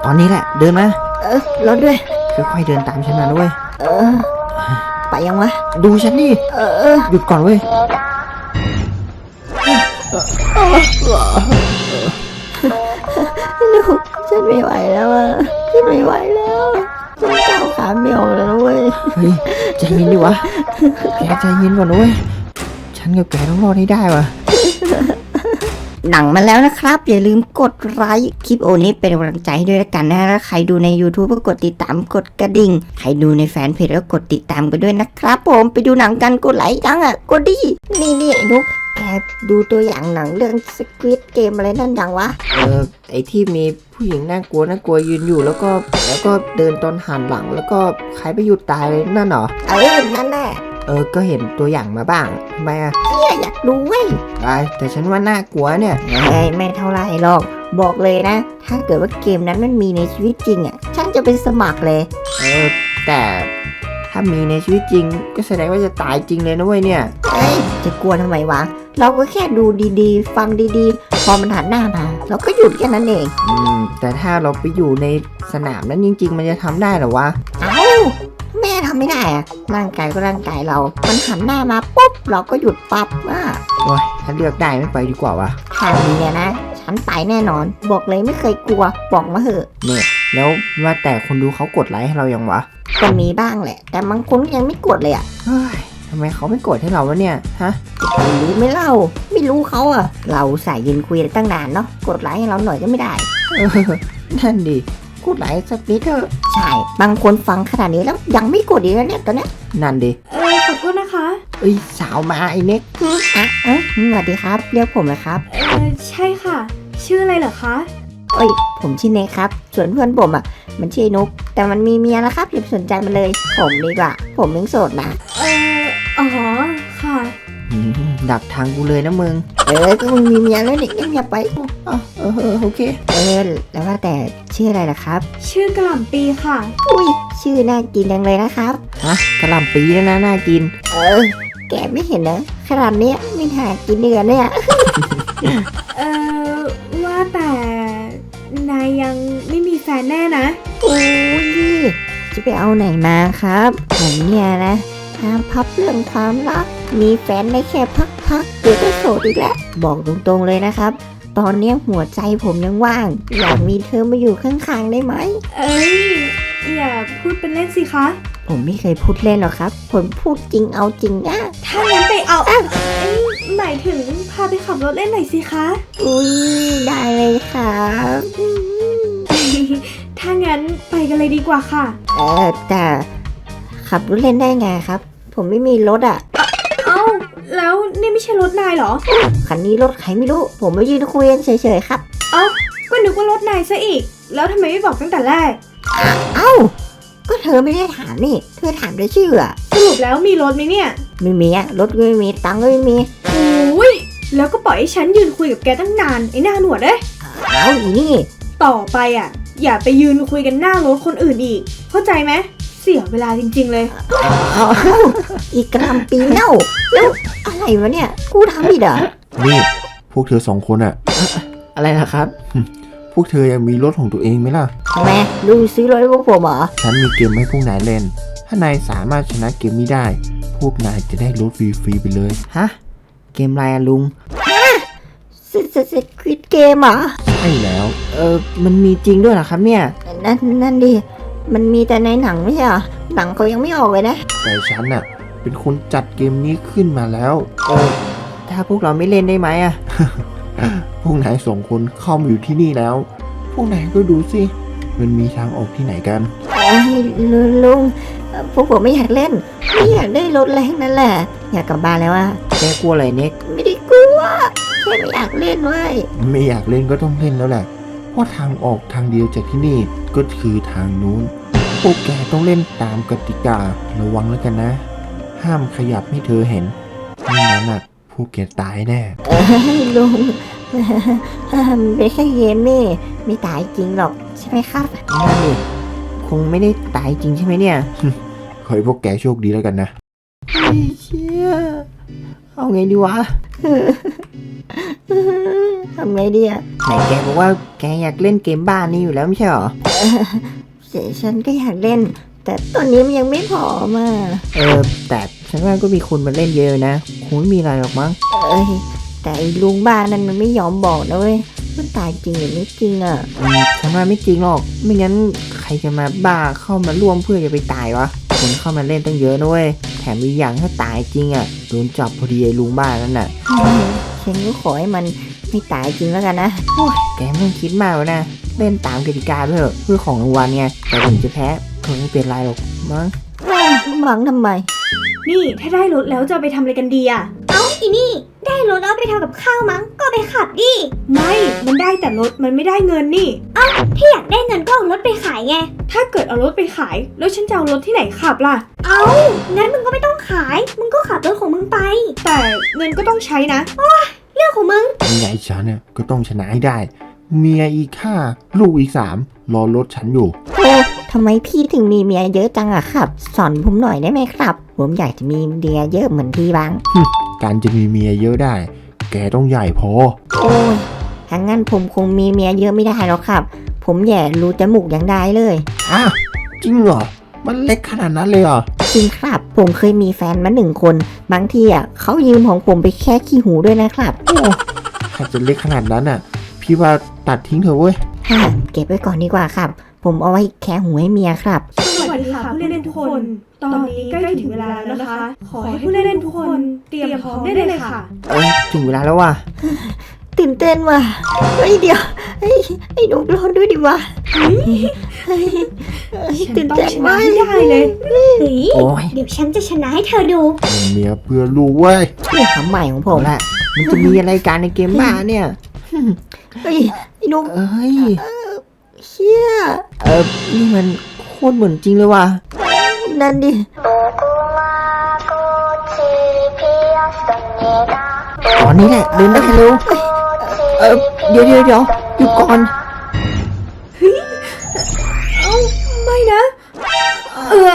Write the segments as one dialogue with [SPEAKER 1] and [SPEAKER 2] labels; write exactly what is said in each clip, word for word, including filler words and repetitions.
[SPEAKER 1] อนนี้แหละเดินมา
[SPEAKER 2] เออรถด้วย
[SPEAKER 1] ค่อยๆเดินตามฉันมาด้วย
[SPEAKER 2] เออไปยังวะ
[SPEAKER 1] ดูฉันดิ
[SPEAKER 2] เออ
[SPEAKER 1] หยุดก่อนเว้ย
[SPEAKER 2] ลูกฉันไม่ไหวแล้วอ่ะฉันไม่ไหวแล้วฉันก้าวขาไม่ออกแล้วเว้ย
[SPEAKER 1] เฮ้ยใจเย็นดิวะแกใจเย็นก่อนเว้ยฉันกับแกต้องรอดให้ได้วะ
[SPEAKER 2] หนังมาแล้วนะครับอย่าลืมกดไลค์คลิปโอนี้เป็นกำลังใจให้ด้วยละกันนะแล้วใครดูใน YouTube ก็กดติดตามกดกระดิ่งใครดูในแฟนเพจก็กดติดตามกันด้วยนะครับผมไปดูหนังกันกดไลค์จังอ่ะกดดินี่นี่ไอ้นุ๊กแกดูตัวอย่างหนังเรื่อง Squid Game อะไรนั่นยังวะ
[SPEAKER 1] เออไอที่มีผู้หญิงน่ากลัวน่ากลัวยืนอยู่แล้วก็แล้วก็เดินตอนหันหลังแล้วก็ใครไปหยุดตายเลยนั่นเหรอ
[SPEAKER 2] เออนั่นแหละ
[SPEAKER 1] เออก็เห็นตัวอย่างมาบ้างทำไมอ่ะ
[SPEAKER 2] เนี่ยอยากดูเว้ย
[SPEAKER 1] ไอ้แต่ฉันว่าน่ากลัวเนี่ย
[SPEAKER 2] เฮ้ยไม่เท่าไรหรอกบอกเลยนะถ้าเกิดว่าเกมนั้นมันมีในชีวิตจริงอ่ะฉันจะเป็นสมัครเลย
[SPEAKER 1] เออแต่ถ้ามีในชีวิตจริงก็แสดงว่าจะตายจริงเลยนะเว้ยเนี่ย
[SPEAKER 2] เฮ้ยจะกลัวทำไมวะเราก็แค่ดูดีๆฟังดีๆพอมันหันหน้ามาเราก็หยุดแค่นั้นเอง
[SPEAKER 1] อืมแต่ถ้าเราไปอยู่ในสนามนั้นจริงๆมันจะทำได้หรอวะ
[SPEAKER 2] เอ้าแม่ทำไม่ได้อะร่างกายก็ร่างกายเรามันหันหน้ามาปุ๊บเราก็หยุดปั๊บอ่ะ
[SPEAKER 1] โอ้ยถ้าเลือกได้ไม่ไปดีกว่าวะ
[SPEAKER 2] ทางนี้นะฉันไปแน่นอนบอกเลยไม่เคยกลัวบอกมาเถอะ
[SPEAKER 1] เนี่ยแล้วว่าแต่คนดูเขากดไลค์ให้เรายังวะ
[SPEAKER 2] ก็มีบ้างแหละแต่บางคนยังไม่กดเลยอ่ะ
[SPEAKER 1] เฮ้ยทำไมเขาไม่กดให้เราวะเนี่ยฮะ
[SPEAKER 2] ไม่รู้ไม่เล่าไม่รู้เขาอ่ะเราสายยืนคุยตั้งนานเนาะกดไลค์ให้เราหน่อยก็ไม่ได้
[SPEAKER 1] นั่นดิกดไลค์สักนิดเถอะ
[SPEAKER 2] ใช่บางคนฟังขนาดนี้แล้วยังไม่กดอีกแล้วเนี่ยตอนนี้
[SPEAKER 1] นั่นดิ
[SPEAKER 3] เออขอโทษนะคะ
[SPEAKER 1] เอ้ยสาวมาไอ้เน็ก
[SPEAKER 2] อ่ะเอ้ยสวัสดีครับเรียกผมนะครับ
[SPEAKER 3] เออใช่ค่ะชื่ออะไรเหรอคะ
[SPEAKER 2] เอ้ยผมชื่อเน็กครับส่วนเพื่อนผมอ่ะมันชื่อนุ๊กแต่มันมีเมียแล้วครับอย่าสนใจมันเลยผมดีกว่าผมยังโสดนะ
[SPEAKER 3] เอออ๋อค่ะ
[SPEAKER 1] ดักทางกูเลยนะมึง
[SPEAKER 2] เออก็มึงมีเมียแล้วนี่อย่าไป
[SPEAKER 1] อ๋อเออโอเค
[SPEAKER 2] เออแล้วว่าแต่ชื่ออะไรล่ะครับ
[SPEAKER 3] ชื่อกระหล่ำปีค่ะ
[SPEAKER 2] อุ้ยชื่อน่ากินจังเลยนะครับ
[SPEAKER 1] ฮะกระหล่ำปีนะน่าน่ากิน
[SPEAKER 2] เออแกไม่เห็นนะขนาดนี้ไม่หากินเนื้อเนี่ย
[SPEAKER 3] เออว่าแต่นายยังไม่มีแฟนแน่นะ
[SPEAKER 2] โอ้ยจะไปเอาไหนมาครับผมเนี่ยนะห้ามพับเรื่องความรักมีแฟนได้แค่พักๆเดี๋ยวก็โสดอีกแล้วบอกตรงๆเลยนะครับตอนนี้หัวใจผมยังว่างอยากมีเธอมาอยู่ข้างๆได้ไหม
[SPEAKER 3] เอ้ยอย่าพูดเป็นเล่นสิคะ
[SPEAKER 2] ผมไม่เคยพูดเล่นหรอกครับผมพูดจริงเอาจริงนะ
[SPEAKER 3] ถ้างั้นไปเอาเอ้ยหมายถึงพาไปขับรถเล่นหน่อยสิคะ
[SPEAKER 2] อุ้ยได้เลยครับ
[SPEAKER 3] ถ้างั้นไปกันเลยดีกว่าค่ะ
[SPEAKER 2] เออแต่ขับรถเล่นได้ไงครับผมไม่มีรถอ่ะ
[SPEAKER 3] เอ้าแล้วนี่ไม่ใช่รถนายเหรอ
[SPEAKER 2] คันนี้รถใครไม่รู้ผมมายืนคุยกันเฉยๆครับ
[SPEAKER 3] เอ้าก็นึกว่ารถนายซะอีกแล้วทำไมไม่บอกตั้งแต่แรก
[SPEAKER 2] เอ้าก็เธอไม่ได้ถามนี่เธอถามได้ชื่ออะ
[SPEAKER 3] สรุปแล้วมีรถไหมเนี่ย
[SPEAKER 2] ไม่มีอะรถก็ไม่มีตังค์ก็ไม่มี
[SPEAKER 3] โอ้ยแล้วก็ปล่อยให้ฉันยืนคุยกับแกตั้งนานไอ้หน้าหนวดเอ้ย
[SPEAKER 2] เอ้าอีนี่
[SPEAKER 3] ต่อไปอ่ะอย่าไปยืนคุยกันหน้ารถคนอื่นอีกเข้าใจไหมเสียเวลาจริงๆเลย
[SPEAKER 2] เอาอีกกระลำปีเน่าแล้วอะไรวะเนี่ยกูทำผิดเหรอ
[SPEAKER 4] นี่พวกเธอสองคนอะ
[SPEAKER 1] อะไรล่ะครับ
[SPEAKER 4] พวกเธอยังมีรถของตัวเองไหมล่ะ
[SPEAKER 2] ทำไมลุงซื้อรถให้พวกผมเหรอ
[SPEAKER 4] ฉันมีเกมให้พวกนายเล่นถ้านายสามารถชนะเกมนี้ได้พวกนายจะได้รถฟรีๆไปเลย
[SPEAKER 1] ฮะเกมอะไรอะลุง
[SPEAKER 2] ฮะสสสควิดเกมเหรอ
[SPEAKER 4] ใช่แล้ว
[SPEAKER 1] เออมันมีจริงด้วยเหรอครับเนี่ย
[SPEAKER 2] นั่นนั่นดิมันมีแต่ในหนังไม่ใช่เหรอหนังเขายังไม่ออกเลยนะ
[SPEAKER 4] แต่ฉันน่ะเป็นคนจัดเกมนี้ขึ้นมาแล้ว
[SPEAKER 1] เออถ้าพวกเราไม่เล่นได้ไหมอะ
[SPEAKER 4] พวกนายสองคนเข้ามาอยู่ที่นี่แล้วพวกนายก็ดูสิมันมีทางออกที่ไหนกัน
[SPEAKER 2] ไอ้ลุงพวกผมไม่อยากเล่นไม่อยากได้รถแรงนั่นแหละอยากกลับบ้านแล้วอะ
[SPEAKER 1] แกกลัวอะไรเน็ก
[SPEAKER 2] ไม่ได้กลัวแค่ไม่อยากเล่นเว้ย
[SPEAKER 4] ไม่อยากเล่นก็ต้องเล่นแล้วแหละเพราะทางออกทางเดียวจากที่นี่ก็คือทางนู้นพวกแกต้องเล่นตามกติการะวังแล้วกันนะห้ามขยับให้เธอเห็นไม่งั้นน่ะพวกแกตายแน่
[SPEAKER 2] เอ้ยลุงไม่ใช่เกมนี่ไม่ตายจริงหรอกใช่ไหมครับ
[SPEAKER 1] นั่นดิคงไม่ได้ตายจริงใช่ไหมเนี่ย
[SPEAKER 4] ขอให้พวกแกโชคดีแล้วกันนะ
[SPEAKER 1] เชี่ยเอาไงดีวะ
[SPEAKER 2] ทำไงดีอะ
[SPEAKER 1] ไหนแกบอกว่าแกอยากเล่นเกมบ้านนี้อยู่แล้วไม่ใช่หรอ
[SPEAKER 2] เดี๋ยวฉันก็อยากเล่น แต่ตอนนี้มันยังไม่พอมา
[SPEAKER 1] เออแต่ฉันว่าก็มีคนมาเล่นเยอะนะคงไม่มีอะไรหรอกมั้ง
[SPEAKER 2] เอ้ยแต่ไอ้ลุงบ้านนั้นมันไม่ยอมบอกนะเว้ยมันตายจริงหรือไม่จริงอ่ะ
[SPEAKER 1] อืมฉันว่าไม่จริงหรอกไม่งั้นใครจะมาบ้าเข้ามาร่วมเพื่อจะไปตายวะคนเข้ามาเล่นตั้งเยอะนะเว้ยแถมมีอย่างถ้าตายจริงอ่ะโดนจับพอดีไอ้ลุงบ้านนั่นน่ะ
[SPEAKER 2] ฉันก็ขอให้มันไม่ตายจริงแล้วกันนะ
[SPEAKER 1] แกไม่ต้องคิดมากแล้วนะเล่นตามกติกาด้วยเถอะเพื่อของรางวัลไงแต่ถึงจะแพ้ก็ไม่เป็นไรหรอกมั้ง
[SPEAKER 2] หวังทำไม
[SPEAKER 3] นี่ถ้าได้รถแล้วจะเอาไปทำอะไรกันดีอะ
[SPEAKER 5] เอ้าอีนี่ได้รถแล้วไปทำกับข้าวมั้งก็ไปขับดิ
[SPEAKER 3] ไม่ มันได้แต่รถมันไม่ได้เงินนี่
[SPEAKER 5] ถ้าอยากได้เงินก็เอารถไปขายไง
[SPEAKER 3] ถ้าเกิดเอารถไปขาย แล้วฉันจะเอารถที่ไหนขับล่ะ
[SPEAKER 5] เอ้างั้นมึงก็ไม่ต้องขาย มึงก็ขับรถของมึงไป
[SPEAKER 3] แต่เงินก็ต้องใช้นะ
[SPEAKER 5] เรื่องของมึง
[SPEAKER 4] ยังไงฉันเนี่ยก็ต้องชนะให้ได้ เมียอีกห้าลูกอีกสามรอรถฉันอยู่
[SPEAKER 2] โอ้ทำไมพี่ถึงมีเมียเยอะจังอะครับ สอนผมหน่อยได้ไหมครับ ผมอยากจะมีเมียเยอะเหมือนพี่บ้าง
[SPEAKER 4] การจะมีเมียเยอะได้ แกต้องใหญ่พอ
[SPEAKER 2] โอ้ยถ้างั้นผมคงมีเมียเยอะไม่ได้หรอกครับ ผมแย่รูจมูกยังได้เลย
[SPEAKER 4] อ้าวจริงเหรอ มันเล็กขนาดนั้นเลยเหรอ
[SPEAKER 2] จริงครับ ผมเคยมีแฟนมาหนึ่งคน บางทีอ่ะเขายืมของผมไปแค่ขี้หูด้วยนะครับ
[SPEAKER 4] ถ้าจะเล็กขนาดนั้นอ่ะ พี่ว่าตัดทิ้งเถอะเว้ย
[SPEAKER 2] ฮ่าเก็บไว้ก่อนดีกว่าครับ ผมเอาไว้แค่หูให้เมียครับ
[SPEAKER 3] สวัสดีค่ะผู้เล่นทุกคน ตอนนี้ใกล้ถึงเวลาแล้วนะคะ ขอให้ผู้เล่นทุกคนเตรียมพร้อมได้เลยค่ะ
[SPEAKER 1] เอ้ยถึงเวลาแล้วว่ะ
[SPEAKER 2] ตื่นเต้นว่ะเฮ้ยเดี๋ยวไอ้ไอ้หนูรอด้วยดิวะเฮ้ยเฮ้ย
[SPEAKER 3] ฉัน
[SPEAKER 2] ตื่น
[SPEAKER 3] ต้อง
[SPEAKER 2] เต้น
[SPEAKER 3] ชนะ
[SPEAKER 2] มาก
[SPEAKER 3] ให้ได้เลย
[SPEAKER 5] เฮ้ย
[SPEAKER 1] โอ้ย
[SPEAKER 5] เดี๋ยวฉันจะชนะให้เธอดู
[SPEAKER 4] เป็นเมียเพื่อลูกเว้ย
[SPEAKER 2] นี่คำใหม่ของผ
[SPEAKER 1] เอา
[SPEAKER 2] ม
[SPEAKER 1] ละมันจะมีอะไรการในเกมบ้าเนี่ย
[SPEAKER 2] เฮ้ยไอ้หนู
[SPEAKER 1] เอ้ย
[SPEAKER 2] เชี่ย
[SPEAKER 1] เออนี่มันโคตรเหมือนจริงเลยว่ะ
[SPEAKER 2] นั่นดิ
[SPEAKER 1] ตอนนี้แหละเดินได้เร็วเออเดี๋ยวเดี๋ยวเดี๋ยวหยุดก่อน
[SPEAKER 3] เอ้า ไม่นะ เออ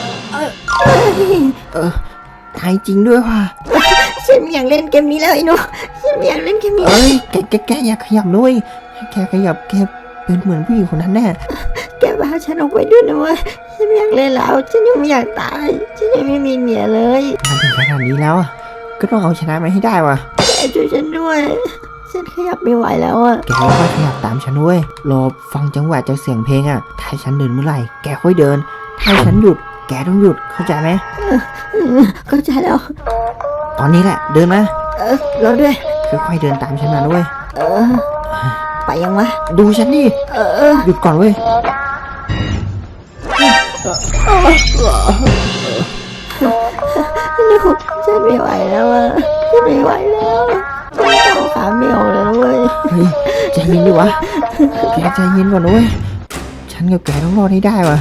[SPEAKER 1] เออตายจริงด้วยว่ะ
[SPEAKER 2] ฉันไม่อยากเล่นเกมนี้แล้วไอ้หนูฉันไม่อยากเล่นเกมนี้
[SPEAKER 1] เอ้ยแกแกแกอย่าขยับด้วยแกขยับแกเป็นเหมือนผู้หญิงคนนั้นแน่
[SPEAKER 2] แกพาฉันออกไปด้วยนะเว้ยฉันไม่อยากเล่นแล้ว ฉันยังไม่อยากตาย ฉันยังไม่มีเมียเลย
[SPEAKER 1] มันถึงขนาดนี้แล้วอะก็ต้องเอาชนะมันให้ได้ว่ะ
[SPEAKER 2] แกช่วยฉันด้วย ฉันขยับไม่ไหวแล้วอะ
[SPEAKER 1] แกค่อยขยับตามฉันด้วยรอฟังจังหวะจากเสียงเพลงอะถ้าฉันเดินเมื่อไหร่แกค่อยเดิน ถ้าฉันหยุด แกต้องหยุดเข้าใจไหม
[SPEAKER 2] อืมเข้าใจแล้ว
[SPEAKER 1] ตอนนี้แหละเดินมา
[SPEAKER 2] เออรอด้วย
[SPEAKER 1] ค่อยๆเดินตามฉันมาด้วย
[SPEAKER 2] เออ ไปยังวะ
[SPEAKER 1] ดูฉันดิ
[SPEAKER 2] เออเออ
[SPEAKER 1] หยุดก่อนเว้ย
[SPEAKER 2] ลูกฉันไม่ไหวแล้วอะฉันไม่ไหวแล้วฉันเอาขาไม่ออกแล้วเว้ย
[SPEAKER 1] เฮ้ยใจเย็นดิวะแกใจเย็นก่อนนะเว้ยฉันกับแกต้องรอดให้ได้ว่ะ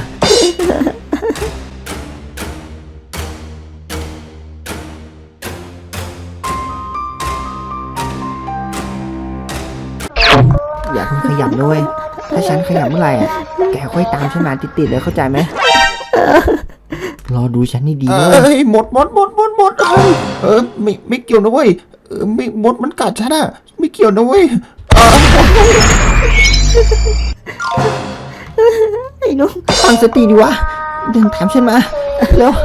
[SPEAKER 1] อย่าเพิ่งขยับด้วยถ้าฉันขยับเมื่อไหร่อ่ะแกค่อยตามฉันมาติดๆเลยเข้าใจไหมรอดูฉันนี่ดี
[SPEAKER 4] เอ
[SPEAKER 1] เว้ย
[SPEAKER 4] ้ยหมดหมดหมดหมดหมดเอ้ยเออไม่ไม่เกี่ยวนะเว้ยเออไม่หมดมันกัดฉันอะไม่เกี่ยวนะเว้ย
[SPEAKER 2] ไอ้หนุ่ม
[SPEAKER 1] ตั้งสติดิวะเดินตามฉันมาเร็ว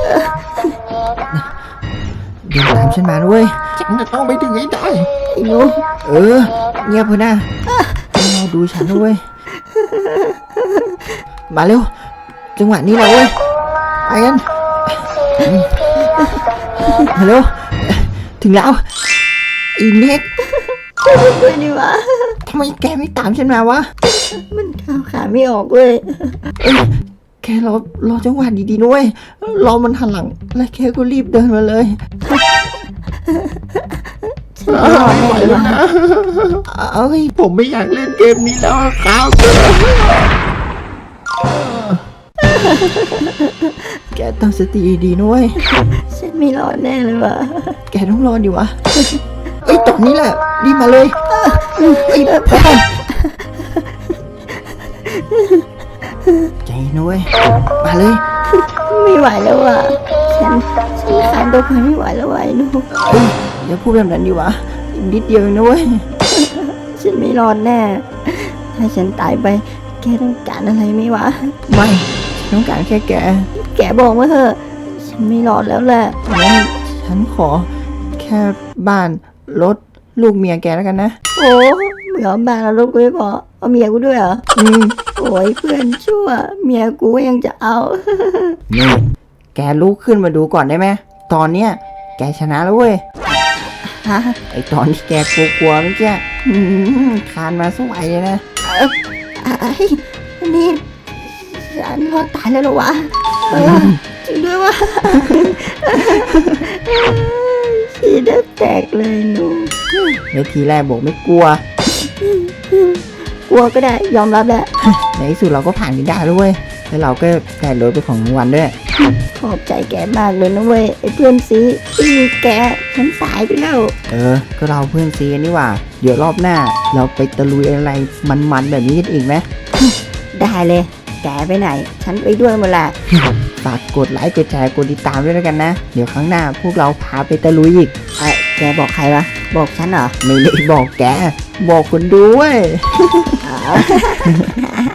[SPEAKER 1] เดินตามฉันมาด้วย
[SPEAKER 4] ฉันจะต้องไปถึงให้ได้
[SPEAKER 2] ไอ้หนุ่ม
[SPEAKER 1] เออเงียบเพื่อนนะรอดูฉันด้วยมาเร็วจังหวะนี้แหละเว้ยไปกันมาเร็วถึงแล้วอีเน็ก
[SPEAKER 2] ด้วยดิวะ
[SPEAKER 1] ทำไมแกไม่ตามฉันมาวะ
[SPEAKER 2] มันข้าวขาไม่ออกเว้ย
[SPEAKER 1] เอ้ยแกรอรอจังหวะดีๆด้วยรอมันหันหลังแล้วแกก็รีบเดินมาเลย
[SPEAKER 2] ฉันไม่รอด
[SPEAKER 4] ไม่ไหว
[SPEAKER 2] แน่เล
[SPEAKER 4] แล้
[SPEAKER 2] ยว วะ
[SPEAKER 4] นะ
[SPEAKER 1] เอ้ย
[SPEAKER 4] ผมไม่อยากเล่นเกมนี้แล้วครับ
[SPEAKER 1] แกตั้งสติดีๆนะเว้ย
[SPEAKER 2] ฉันไม่รอดแน่เลยวะ
[SPEAKER 1] แกต้องรอดิวะเอ้ยตอนนี้แหละรีบมาเลยเอ้ยไปก่อนใจเย็นนะเว้ยมาเลย
[SPEAKER 2] ไม่ไหวแล้ววะฉันฉันขานตัวไปไม่ไหวแล้ววะไอ้หนุ่ม
[SPEAKER 1] เอ้ยอย่าพูดแบบนั้นดิวะอีกนิดเดียวเองนะเว้ย
[SPEAKER 2] ฉฉันไม่รอดแน่ ถ้าฉันตายไป แกต้องการอะไรไหมวะ
[SPEAKER 1] ไม่ฉันต้องการแค่แก
[SPEAKER 2] แกบอกมาเถอะ ฉันไม่รอดแล้วแหละ
[SPEAKER 1] งั้นฉันขอแค่บ้านรถลูกเมียแกแล้วกันนะ
[SPEAKER 2] โอ้เหมือนบ้านเราลูกกูไม่พอเอาเมียกูด้วยเหรอ
[SPEAKER 1] อืม
[SPEAKER 2] โอ้ยเพื่อนชั่ว เมียกูก็ยังจะเอา
[SPEAKER 1] นี่แกลุกขึ้นมาดูก่อนได้ไหมตอนเนี้ยแกชนะแล้วเว้ย
[SPEAKER 2] ฮะ
[SPEAKER 1] ไอตอนที่แกกลัวๆเมื่อกี้อืมคานมาสวยเลยนะ
[SPEAKER 2] ไอ้นี่ฉันรอดตายแล้วเหรอวะเออจริงด้วยวะชีได้แตกเลยหนู
[SPEAKER 1] ในทีแรกบอกไม่กลัว
[SPEAKER 2] กลัวก็ได้ยอมรับแหละ
[SPEAKER 1] ในที่สุดเราก็ผ่านกันได้แล้วเว้ย แล้วเราก็ได้รถเป็นของรางวัลด้วย
[SPEAKER 2] ขอบใจแกมากเลยนะเว้ยไอ้เพื่อนซีไม่มีแกฉันตายไปแล้ว
[SPEAKER 1] เออ ก็เราเพื่อนซีกันนี่หว่า เดี๋ยวรอบหน้า เราไปตะลุยอะไรมันๆแบบนี้กันอีกไหม
[SPEAKER 2] ได้เลย แกไปไหน ฉันไปด้วยหมดแหละ
[SPEAKER 1] ฝากกดไลค์กดแชร์กดติดตามด้วยแล้วกันนะ เดี๋ยวครั้งหน้าพวกเราพาไปตะลุยอีก
[SPEAKER 2] เอ้ยแกบอกใครวะ บอกฉันเหรอ
[SPEAKER 1] ไม่ได้บอกแก บอกคนดูเว้ย
[SPEAKER 2] อ๋อ